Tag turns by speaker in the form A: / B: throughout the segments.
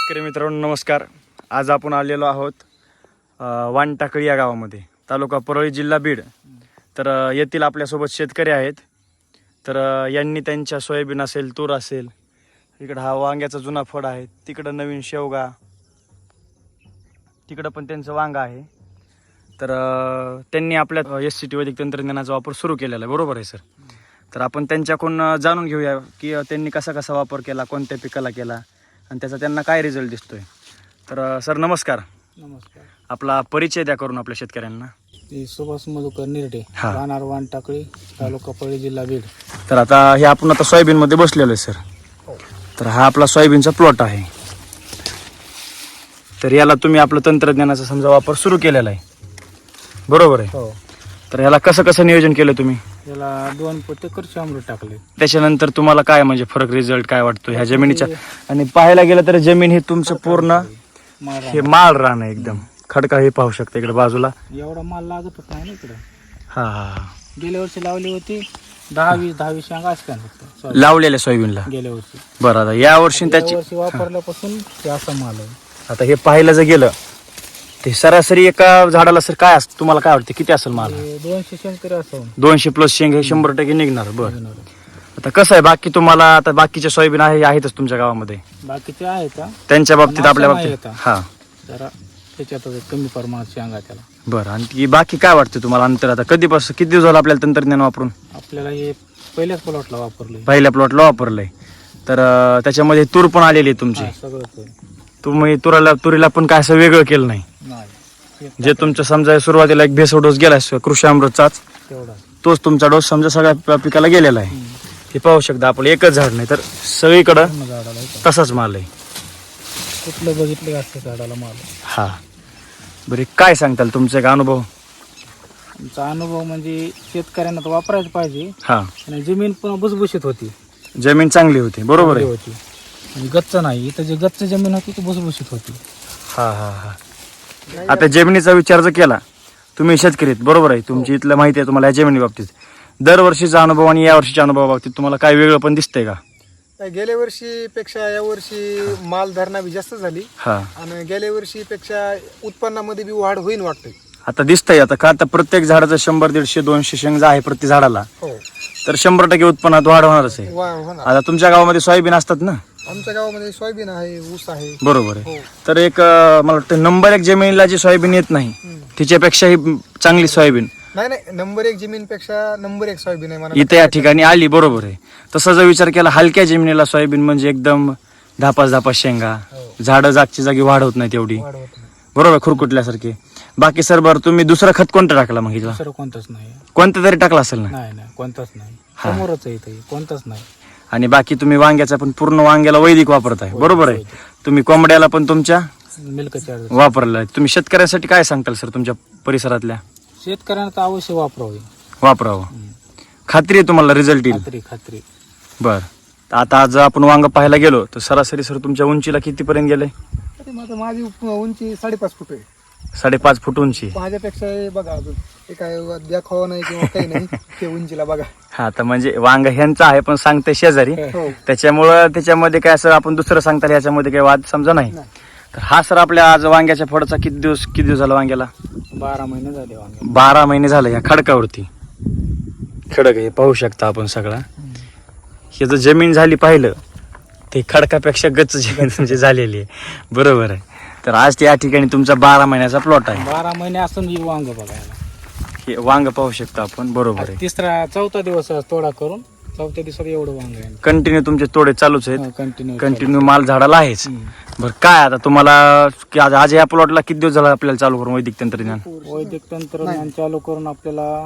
A: शेतकरी मित्रांनो नमस्कार. आज आपण आलेलो आहोत वानटाकळी या गावामध्ये, तालुका परळी, जिल्हा बीड. तर येथील आपल्यासोबत शेतकरी आहेत. तर यांनी त्यांच्या सोयाबीन असेल, तूर असेल, इकडं हा वांग्याचा जुना फळ आहे, तिकडं नवीन शेवगा, तिकडं पण त्यांचं वांगा आहे. तर त्यांनी आपल्या SCT वैदिक तंत्रज्ञानाचा वापर सुरू केलेला आहे. बरोबर आहे सर? तर आपण त्यांच्याकडून जाणून घेऊया की त्यांनी कसा कसा वापर केला, कोणत्या पिकाला केला आणि त्याचा त्यांना काय रिझल्ट दिसतोय. तर सर नमस्कार.
B: नमस्कार.
A: आपला परिचय द्या करून आपल्या शेतकऱ्यांना.
B: मी सुभाष मधुकर निरडे, राहणार वानटाकळी, तालुका परळी, जिल्हा बीड.
A: तर आता हे आपण आता सोयाबीन मध्ये बसलेलो आहे सर. तर हा आपला सोयाबीनचा प्लॉट आहे. तर याला तुम्ही आपलं तंत्रज्ञानाचा समजा वापर सुरू केलेला आहे, बरोबर आहे?
B: हो.
A: तर याला कसं कसं नियोजन केलं तुम्ही?
B: याला 2 पोते कृषी टाकले.
A: त्याच्यानंतर तुम्हाला काय म्हणजे फरक, रिझल्ट काय वाटतो ह्या जमिनीच्या? आणि पाहायला गेलं तर जमीन ही तुमचं पूर्ण हे माळ रान आहे, एकदम खडका. हे पाहू शकता इकडे बाजूला,
B: एवढा माल लागतच नाही ना इकडे.
A: हा हा.
B: गेल्या वर्षी लावली होती 10-20 शेंगा असत्या फक्त
A: लावलेल्या सोयाबीनला
B: गेल्या वर्षी.
A: बरं, आता या वर्षी त्याची
B: वर्षी वापरल्यापासून ते असा माल आहे.
A: आता हे पाहायला जर गेलं ते सरासरी एका झाडाला सर काय असतं, तुम्हाला काय वाटतं किती असेल माल?
B: 200 शेंग तरी असं
A: 200 प्लस शेंग हे 100% निघणार. बरं, आता कसं आहे बाकी तुम्हाला, आता बाकीच्या सोयाबीन आहेतच तुमच्या गावामध्ये,
B: बाकीचे आहेत का
A: त्यांच्या बाबतीत आपल्या बाबतीत हा
B: जरा त्याच्यात कमी प्रमाणात शेंगा त्याला.
A: बरं, आणि ती बाकी काय वाटतं तुम्हाला अंतर? आता कधीपासून किती दिवस झालं आपल्याला तंत्रज्ञान वापरून?
B: आपल्याला हे पहिल्याच प्लॉटला वापरले,
A: पहिल्या प्लॉटला वापरलंय. तर त्याच्यामध्ये तूर पण आलेली आहे तुमची.
B: सगळं
A: तुम्ही तुरीला पण काय असं वेगळं केलं नाही? जे तुमचं समजा सुरुवातीला एक भेसळ डोस गेला कृषी अमृतचाच, तोच तुमचा डोस समजा सगळ्या पिकाला गेलेला आहे. हे पाहू शकता आपण, एकच झाड नाही तर सगळीकडं तसाच माल आहे.
B: कुठलं बघितलं असतं झाडाला माल.
A: हा, बरे काय सांगताल तुमचा एक अनुभव?
B: आमचा अनुभव म्हणजे शेतकऱ्यांना तर वापरायचं पाहिजे.
A: हा,
B: आणि जमीन पण भुसभुशीत होती,
A: जमीन चांगली होती. बरोबर आहे.
B: होती आणि गच्च नाही. इथं जे गच्च जमीन होती ती भुसभुशीत होती.
A: हा हा हा. आता जमिनीचा विचार जर केला, तुम्ही शेतकरी आहेत, बरोबर आहे, तुमची इथलं माहिती आहे तुम्हाला या जमिनी बाबतीत. दरवर्षीचा अनुभव आणि या वर्षीच्या अनुभवाबाबतीत तुम्हाला काय वेगळं पण दिसतंय का?
C: गेल्या वर्षीपेक्षा या वर्षी माल धरणा बी जास्त झाली.
A: हा,
C: आणि गेल्या वर्षीपेक्षा उत्पन्नामध्ये बी वाढ होईल वाटतंय.
A: आता दिसतंय. आता का आता प्रत्येक झाडाचं 100, 150, 200 शेंग आहे प्रति झाडाला,
C: हो,
A: तर 100% उत्पन्नात वाढ होणारच आहे.
C: होणार.
A: आता तुमच्या गावामध्ये सोयाबीन असतात ना?
C: आमच्या गावामध्ये सोयाबीन आहे, ऊस आहे.
A: बरोबर आहे.
C: हो.
A: तर एक मला वाटतं नंबर 1 जमिनीला जी सोयाबीन येत नाही तिच्यापेक्षा ही चांगली सोयाबीन
C: नाही, नंबर 1 जमीनपेक्षा नंबर 1 सोयाबीन आहे
A: इथे या ठिकाणी आली. बरोबर आहे. तसा जर विचार केला, हलक्या जमिनीला सोयाबीन म्हणजे एकदम धापास शेंगा, झाडं जागची जागी वाढ होत नाही तेवढी,
C: वाढ होत नाही.
A: बरोबर, खुरकुटल्यासारखी. बाकी सर बरं, तुम्ही दुसरं खत कोणतं टाकला मग? हिला
B: दुसरं कोणतंच नाही.
A: कोणतं तरी टाकला असेल ना?
B: नाही, कोणताच नाही. समोरच आहे इथे, कोणताच नाही.
A: आणि बाकी तुम्ही वांग्याचा पण पूर्ण वांग्याला वैदिक वापरताय, बरोबर आहे. तुम्ही कोंबड्याला पण तुमच्या
B: मिल्क चार्ज
A: वापरलाय. तुम्ही शेतकऱ्यांसाठी काय सांगताल सर, तुमच्या परिसरातल्या
B: शेतकऱ्यांना तर अवश्य
A: वापरावं? खात्री आहे तुम्हाला रिझल्ट येईल?
B: खात्री.
A: बर, आता आज आपण वांग पाहायला गेलो तर सरासरी सर तुमच्या उंचीला कितीपर्यंत गेलंय?
C: माझी उंची 5.5 फूट आहे.
A: 5.5 फूट उंची.
C: माझ्यापेक्षा हे बघा, अजून हे काय दाखवा नाही किंवा काही नाही. ते उंचीला बघा.
A: हा, तर म्हणजे वांग ह्यांचं आहे पण सांगते शेजारी,
C: हो.
A: त्याच्यामुळं त्याच्यामध्ये काय असं आपण दुसरं सांगता याच्यामध्ये काही वाद समजा नाही. तर हा सर आपल्या आज वांग्याच्या फळाचा किती दिवस झाला वांग्याला?
B: 12 महिने झाले वांगे.
A: 12 महिने झाले. ह्या खडकावरती खडक हे पाहू शकता आपण सगळा. हे जर जमीन झाली पाहिलं ते खडकापेक्षा गच्च जमीन म्हणजे झालेली आहे, बरोबर आहे. तर आज या ठिकाणी तुमचा 12 महिन्याचा प्लॉट आहे.
B: 12 महिने असून ही वांग बघायला.
A: हे वांग पाहू शकता आपण, बरोबर आहे.
B: 4था दिवस तोडा करून 4थ्या दिवसात एवढं वांग आहे.
A: कंटिन्यू तुमचे तोडे चालूच आहेत,
B: कंटिन्यू
A: माल झाडाला आहेच. बरं, काय आता तुम्हाला आज या प्लॉटला किती दिवस झाला आपल्याला चालू करून वैदिक तंत्रज्ञान
B: चालू करून आपल्याला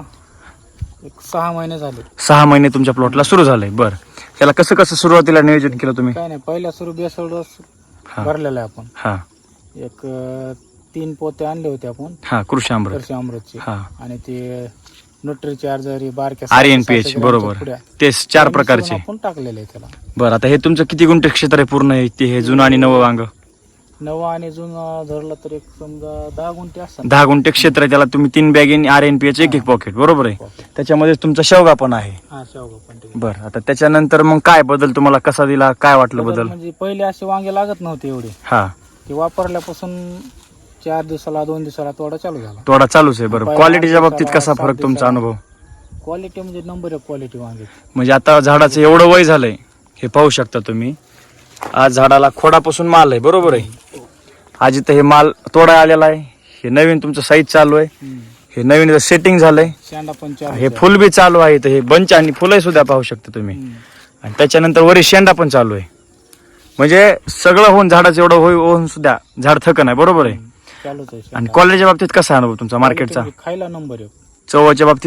B: 6 महिने झाले.
A: 6 महिने तुमच्या प्लॉटला सुरू झालंय. बरं, त्याला कसं कसं सुरुवातीला नियोजन केलं तुम्ही?
B: काय नाही, पहिल्या सुरू बेसल डोस भरलेला आहे आपण.
A: हा,
B: एक 3 पोते आणले होते आपण.
A: हा, कृषी
B: अमृतचे.
A: हा,
B: आणि ते न्यूट्री चार्जर बारक्या
A: RNPH, बरोबर, ते 4 प्रकारचे
B: आपण टाकलेले आहे त्याला.
A: बरं, आता हे तुमचं किती गुंठे क्षेत्र आहे पूर्ण हे जुनं आणि नवं वांग?
B: नवा आणि जुना धरला तर एक समजा 10 गुंठे असतात.
A: 10 गुंठे क्षेत्र आहे, त्याला तुम्ही 3 बॅग RNPH एक पॉकेट, बरोबर आहे. त्याच्यामध्ये तुमचा शेवगा पण आहे.
B: हा शेवगा पण ठीक.
A: बरं, आता त्याच्यानंतर मग काय बदल तुम्हाला कसा दिला, काय वाटलं बदल?
B: म्हणजे पहिले असे वांगे लागत नव्हते एवढे,
A: हा,
B: ते वापरल्यापासून 4 दिवसाला 2 दिवसाला तोडा चालू झाला.
A: तोडा चालूच आहे. बरं, क्वालिटीच्या बाबतीत कसा फरक तुमचा अनुभव?
B: क्वालिटी म्हणजे नंबर एक क्वालिटी वांगे.
A: म्हणजे आता झाडाचं एवढं वय झालंय, हे पाहू शकता तुम्ही. आज झाडाला खोडापासून माल आहे, बरोबर आहे. आज इथं हे माल तोडा आलेला आहे. हे नवीन तुमचं साईज चालू आहे. हे नवीन सेटिंग झालंय.
B: शेंडा पण
A: हे फुल बी चालू आहे. इथं हे बंच आणि फुलं सुद्धा पाहू शकता तुम्ही. आणि त्याच्यानंतर वरी शेंडा पण चालू आहे. म्हणजे सगळं होऊन झाडाचं एवढं होऊन सुद्धा झाड थक नाही, बरोबर आहे.
B: चालूच आहे.
A: आणि क्वालिटीच्या बाबतीत कसा अनुभव तुमचा मार्केटचा?
B: खायला नंबर एक.
A: चवाच्या बाबतीत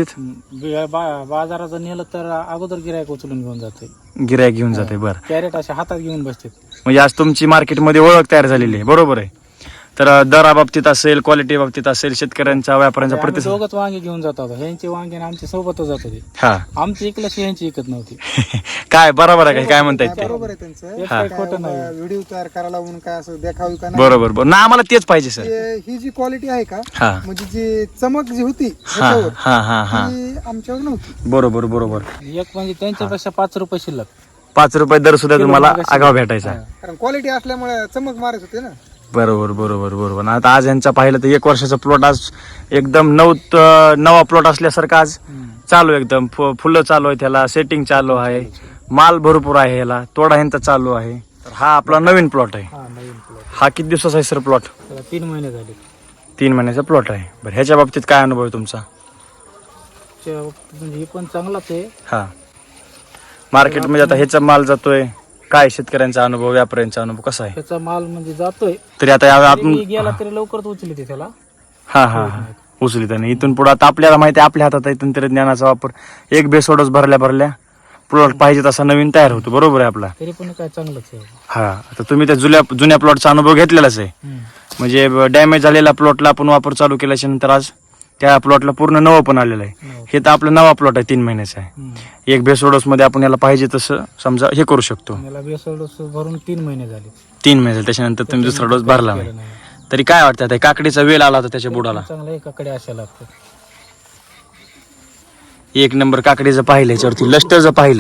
B: बाजाराचं नेलं तर अगोदर गिरायक उचलून घेऊन जाते,
A: गिरायक घेऊन जाते. बरं,
B: कॅरेट असे हातात घेऊन बसते.
A: म्हणजे आज तुमची मार्केटमध्ये ओळख तयार झालेली आहे, बरोबर आहे. तर दराबाबतीत असेल, क्वालिटी बाबतीत असेल, शेतकऱ्यांचा व्यापाऱ्यांचा प्रतिसाद.
B: दोघच वांगे घेऊन जात होतो. ह्यांचे वांगे आणि आमचे सोबतच जात होते.
A: हा,
B: आमची इकलशी ह्यांची इकत नव्हती.
A: काय बरोबर आहे काय म्हणतायत ते?
C: बरोबर आहे त्यांचं.
B: एक काही खोटं नाही.
C: व्हिडिओ तयार करायला लावून काय असं देखावी का नाही.
A: बरोबर बरोबर ना, आम्हाला तेच पाहिजे सर.
C: ही जी क्वालिटी आहे का,
A: हा
C: म्हणजे जी चमक जी होती
A: हा
C: ह्याच्यावर,
A: हा हा हा,
C: ती आमच्यावर नव्हती.
A: बरोबर बरोबर.
B: एक म्हणजे त्यांच्यापेक्षा 5 रुपये शिल्लक.
A: 5 रुपये दर सुद्धा तुम्हाला आगाव भेटायचा.
C: कारण क्वालिटी असल्यामुळे चमक मारत होते ना.
A: बरोबर बरोबर बरोबर. आता आज यांचा पाहिलं तर 1 वर्षाचा प्लॉट आज एकदम नवा प्लॉट असल्यासारखं आज चालू आहे. एकदम फुलं चालू आहे, त्याला सेटिंग चालू आहे, माल भरपूर आहे, याला तोडा ह्यांचा चालू आहे. तर हा आपला नवीन प्लॉट आहे.
B: हा नवीन प्लॉट.
A: हा किती दिवसाचा आहे सर प्लॉट?
B: 3 महिने झाले.
A: 3 महिन्याचा प्लॉट आहे. बरं, ह्याच्या बाबतीत काय अनुभव आहे तुमचा?
B: म्हणजे हे पण चांगलाच आहे.
A: हा, मार्केटमध्ये आता ह्याचा माल जातोय, काय शेतकऱ्यांचा अनुभव, व्यापाऱ्यांचा अनुभव कसा आहे?
B: त्याचा माल म्हणजे जातोय.
A: तरी आता आपण
B: गेला तरी लवकरच उचलते त्याला.
A: हा हा हा, उचलित नाही. इथून पुढे आता आपल्याला माहिती आहे, आपल्या हातात आहे तंत्रज्ञानाचा वापर. एक बेसोडच भरल्या प्लॉट पाहिजे तसा नवीन तयार होतो, बरोबर आहे आपला.
B: तरी पण काय चांगलंच आहे.
A: हा, आता तुम्ही त्या जुन्या प्लॉटचा अनुभव घेतलेलाच आहे. म्हणजे डॅमेज झालेल्या प्लॉटला आपण वापर चालू केल्याच्या नंतर आज त्या प्लॉटला पूर्ण नवं पण आलेलं आहे. हे तर आपला नवा प्लॉट आहे, 3 महिन्याचा आहे. एक बेसोडस मध्ये आपण याला पाहिजे तसं समजा हे करू शकतो.
B: याला बेसोड डोस भरून 3 महिने झाले.
A: 3 महिने त्याच्यानंतर तुम्ही दुसरा डोस भरला नाही. तरी काय वाटतं आता काकडीचा वेल आला होता त्याच्या बुडाला?
B: चांगला एकाकडे अशा लागतो.
A: 1 नंबर काकडीचं पाहिलं, याच्यावरती लष्टरचं पाहिलं,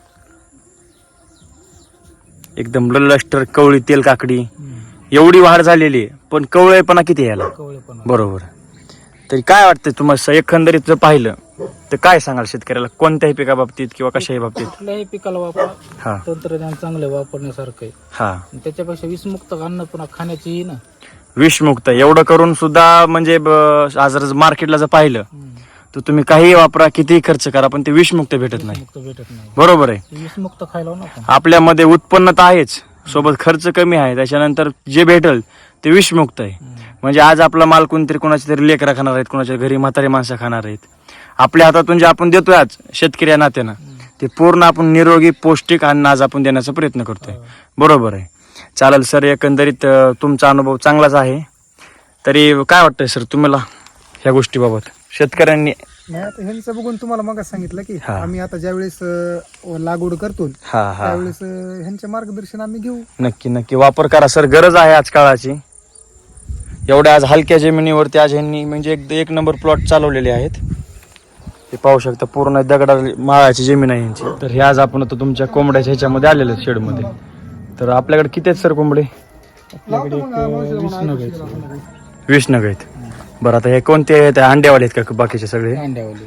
A: एकदम लष्टर कवळी तेल काकडी. एवढी वाढ झालेली आहे, पण कवळेपणा किती याला,
B: कवळेपणा.
A: बरोबर. तरी काय वाटतं तुम्हाला एकंदरीत जर पाहिलं तर काय सांगाल शेतकऱ्याला कोणत्याही पिका बाबतीत किंवा कशाही बाबतीत?
B: कुठल्याही पिकाला वापर
A: हा
B: तंत्रज्ञान चांगलं वापरण्यासारखं आहे.
A: हा,
B: आणि त्याच्यापेक्षा विषमुक्त अन्न पुन्हा खाण्याची ना
A: विषमुक्त एवढं करून सुद्धा म्हणजे आज जर मार्केटला जर पाहिलं तर तुम्ही काही वापरा, कितीही खर्च करा, पण ते विषमुक्त भेटत नाही,
B: विषमुक्त भेटत नाही.
A: बरोबर आहे.
B: विषमुक्त खायला ना आपण.
A: आपल्यामध्ये उत्पन्न तर आहेच, सोबत खर्च कमी आहे, त्याच्यानंतर जे भेटल ते विषमुक्त आहे. म्हणजे आज आपला माल कोणतरी कोणाच्या तरी लेकरा खाणार आहेत, कोणाच्या घरी म्हातारी माणसं खाणार आहेत. आपल्या हातातून जे आपण देतोय आज शेतकरी या नात्यानं, ते पूर्ण आपण निरोगी पौष्टिक अन्न आज आपण देण्याचा प्रयत्न करतोय, बरोबर आहे. चालेल सर, एकंदरीत तुमचा अनुभव चांगलाच आहे. तरी काय वाटतंय सर तुम्हाला ह्या गोष्टीबाबत? शेतकऱ्यांनी
C: नाही, आता ह्यांचं बघून तुम्हाला मग सांगितलं की
A: हा.
C: आम्ही आता ज्यावेळेस लागवड करतो
A: हा हा
C: त्यावेळेस ह्यांचे मार्गदर्शन आम्ही घेऊ.
A: नक्की नक्की वापर करा सर, गरज आहे आज काळाची. एवढ्या आज हलक्या जमिनीवरती आज ह्यांनी म्हणजे एक नंबर प्लॉट चालवलेले आहेत. हे पाहू शकता, पूर्ण दगडा माळाची जमीन आहे यांची. तर हे आज आपण आता तुमच्या कोंबड्याच्या ह्याच्यामध्ये आलेले आहेत शेडमध्ये. तर आपल्याकडे किती आहेत सर कोंबडे?
B: आपल्याकडे एक 20 नग आहेत.
A: 20 नग आहेत. बरं, आता हे कोणते आहेत? अंड्यावाले आहेत का बाकीचे सगळे?
B: अंड्यावाले.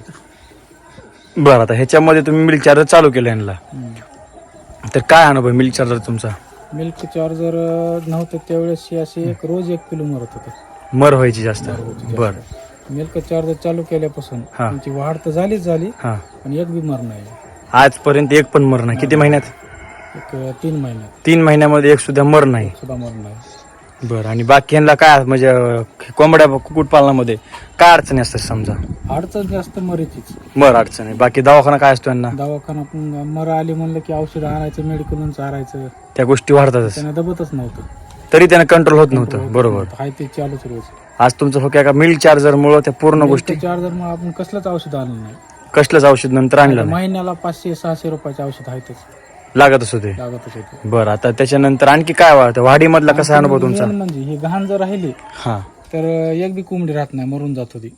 A: बरं, आता ह्याच्यामध्ये तुम्ही मिल्क चार्जर चालू केलं यांना, तर काय अनुभव मिल्क चार्जर तुमचा?
B: मिल्क चार्जर नव्हतं त्यावेळेस असे रोज 1 किलो मरत होते.
A: मर व्हायची जास्त. बर,
B: मिल्क चार्जर चालू केल्यापासून
A: हा.
B: त्यांची वाढ तर झालीच झाली,
A: हा,
B: पण एक बी मर नाही.
A: आजपर्यंत एक पण मर नाही. किती महिन्यात?
B: एक 3 महिन्यात
A: 3 महिन्यामध्ये एक सुद्धा मर नाही.
B: सुद्धा मर नाही.
A: बरं, आणि बाकी यांना काय म्हणजे कोंबड्या कुक्कुटपालनामध्ये काय अडचणी असतात समजा?
B: अडचण जास्त मरीचीच.
A: मर अडचण आहे. बाकी दवाखाना काय असतो यांना?
B: दवाखाना पण मर आली म्हणलं की औषध आणायचं, मेडिकलून चारायचं,
A: त्या गोष्टी वाढतातच.
B: त्यांना दबतच नव्हतं.
A: तरी त्यांना कंट्रोल होत नव्हतं, बरोबर.
B: हाय ते चालूच रोज.
A: आज तुमचं फक्त का मिल्क चार्जर मुळे त्या पूर्ण गोष्टी,
B: चार्जर मग आपण कसलंच औषध आणलं नाही.
A: कसलंच औषध नंतर आणलं नाही.
B: महिन्याला 500-600 रुपयाचे औषध आहेतच.
A: लागतच होते.
B: लागतच होते.
A: बरं, आता त्याच्यानंतर आणखी काय वाटतं वाढीमधला कसा अनुभव तुमचा?
B: मेन म्हणजे ही घाण जर राहिली
A: हा,
B: तर एक बी कोंबडी राहत नाही, मरून जात होती.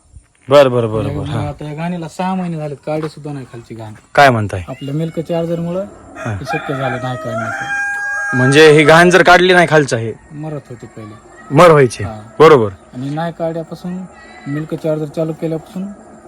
A: बरं बरं बरं बरं. हा,
B: आता या घाणीला 6 महिने झाले, काढे सुद्धा नाही खालची घाण.
A: काय म्हणताय?
B: आपल्या मिल्क चार्जर मुळे
A: हा.
B: शक्य झालं नाही काढण्याचं.
A: म्हणजे ही घाण जर काढली नाही खालचं हे
B: मरत होते पहिले.
A: मर व्हायचे.
B: हा.
A: बरोबर.
B: आणि नाही काढल्यापासून मिल्क चार्जर चालू केल्यापासून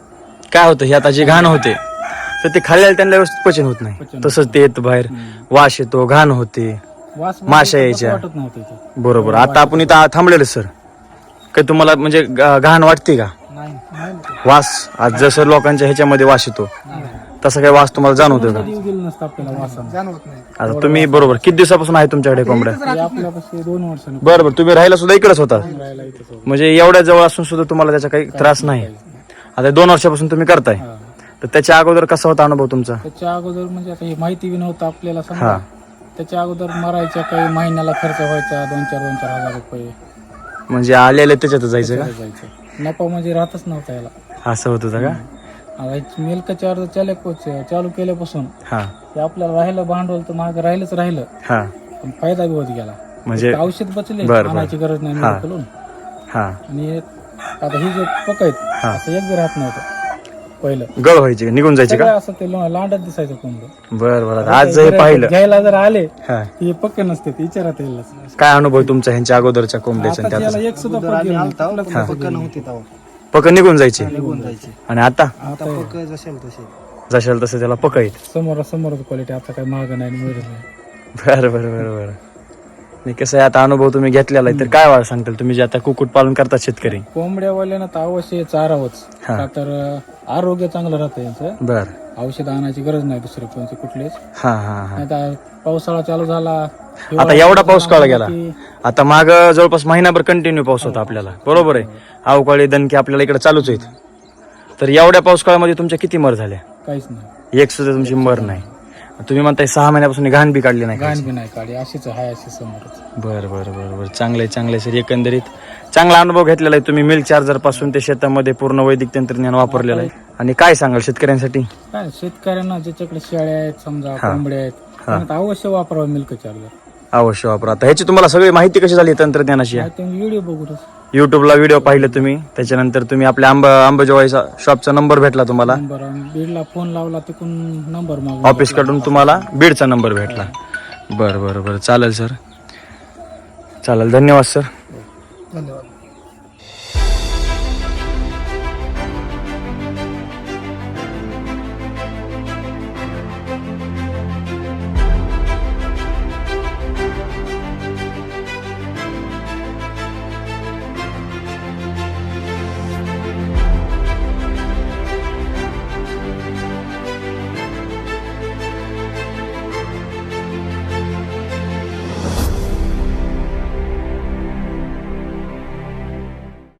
A: काय होतं, हे आता जे घाण होते तर ते खाल्ल्याला त्यांना व्यवस्थित पचन होत नाही.
B: पचन
A: तसंच ते येतं बाहेर, वास येतो, घाण होते,
B: वास
A: माशा
B: म्हणजे
A: यायच्या.
B: वाटत नव्हतं इथं.
A: बरोबर. आता आपण इथं थांबलेलो सर, काही तुम्हाला म्हणजे घाण वाटते का?
B: नाही नाही
A: वास आज जसं लोकांच्या ह्याच्यामध्ये वास येतो तसा काही वास तुम्हाला जाणवतो का?
B: कधी गेलं नसतं आपल्याला वासानं.
C: जाणवत नाही.
A: आता तुम्ही बरोबर किती दिवसापासून आहे तुमच्याकडे कोंबड्या?
B: हे आपल्यापाशी 2 वर्षांनी
A: बरोबर. तुम्ही राहायला सुद्धा इकडेच होता,
B: राहायला इथंच होतं.
A: म्हणजे एवढ्या जवळ असून सुद्धा तुम्हाला त्याचा काही त्रास नाही. आता 2 वर्षापासून तुम्ही करताय,
B: हा.
A: तर त्याच्या अगोदर कसा होता अनुभव तुमचा?
B: त्याच्या अगोदर म्हणजे आता ही माहिती बी नव्हतं आपल्याला
A: हा.
B: समजा. त्याच्या अगोदर मरायच्या काही महिन्याला खर्च व्हायचा 2-4 हजार रुपये
A: म्हणजे आलेले त्याच्यात जायचं का?
B: जायचं. नफा म्हणजे राहतच नव्हता याला.
A: असं होत होतं का?
B: आता मिल्क चार्जर चालू केल्यापासून
A: हा
B: ते आपल्याला राहिलं भांडवल तर महाग राहिलंच,
A: हा.
B: पण फायदा बी होत गेला.
A: म्हणजे
B: औषध बचले,
A: बरं.
B: आणायची गरज नाही
A: हा.
B: मेडिकलून.
A: हा
B: आणि आता ही जे पक आहेत
A: हा.
B: असं एक बी राहत नव्हतं पहिलं.
A: गळ व्हायचे, निघून जायचे का?
B: सगळं असं ते लांडत दिसायचं कोंबडं.
A: बरं बरं. आज हे पाहिलं,
B: घ्यायला जर आले
A: हा,
B: ते पक्क नसते, विचारात येईल.
A: काय अनुभव तुमचा ह्यांच्या अगोदरच्या कोंबड्याच्या आणि
B: आता
A: त्याचा?
B: त्याला एक सुद्धा पक्क गेलं नाही.
C: पक्क नव्हती तेव्हा.
A: पक निघून जायचे
C: निघून जायची.
A: आणि आता
C: आता पक्क जसेल तसे.
A: जशाल तसं त्याला पक आहेत.
B: समोर क्वालिटी आता काही महाग नाही आणि मिळत नाही.
A: बरं बरं बरं बरं. नाही कसं आहे, आता अनुभव तुम्ही घेतलेला आहे, तर काय वाट सांगताल तुम्ही जे आता कुक्कुट पालन करतात शेतकरी?
B: कोंबड्यावाल्यांना तर अवश्य चारावंच,
A: हा.
B: का तर आरोग्य चांगलं राहतं यांचं.
A: बर.
B: औषध आणायची गरज नाही दुसरे कोणते कुठलेच.
A: हा हा हा.
B: आता पावसाळा चालू झाला,
A: आता एवढा पाऊस काळ गेला,
B: की
A: आता माग जवळपास महिनाभर कंटिन्यू पाऊस होता आपल्याला, बरोबर आहे. अवकाळी दणके आपल्याला इकडे चालूच आहेत. तर एवढ्या पाऊस काळामध्ये तुमच्या किती मर झाल्या?
B: काहीच नाही.
A: एक सुद्धा तुमची मर नाही. तुम्ही म्हणताय 6 महिन्यापासून घाण बी काढली नाही.
B: घाण बी नाही काढी, अशीच आहे, अशी समोरच.
A: बर बर बर बर. चांगलंय चांगलंय सर. एकंदरीत चांगला अनुभव घेतलेला आहे तुम्ही. मिल्क चार्जर पासून ते शेतामध्ये पूर्ण वैदिक तंत्रज्ञान वापरलेलं आहे. आणि काय सांगाल शेतकऱ्यांसाठी?
B: काय शेतकऱ्यांना ज्याच्याकडे शेळ्या आहेत समजा, कोंबड्या आहेत, त्यांना तर अवश्य वापरावं मिल्क चार्जर.
A: अवश्य वापरा. आता ह्याची तुम्हाला सगळी माहिती कशी झाली तंत्रज्ञानाची?
B: व्हिडिओ बघूनच.
A: युट्यूबला व्हिडिओ पाहिले तुम्ही, त्याच्यानंतर तुम्ही आपल्या अंबाजोगाईचा शॉपचा नंबर भेटला तुम्हाला,
B: नंबर बीडला फोन लावला, तिकडून नंबर मागवला.
A: ऑफिस कडून तुम्हाला बीडचा नंबर भेटला. बरं बरं बरं. चालेल सर, चालेल. धन्यवाद सर.
C: धन्यवाद.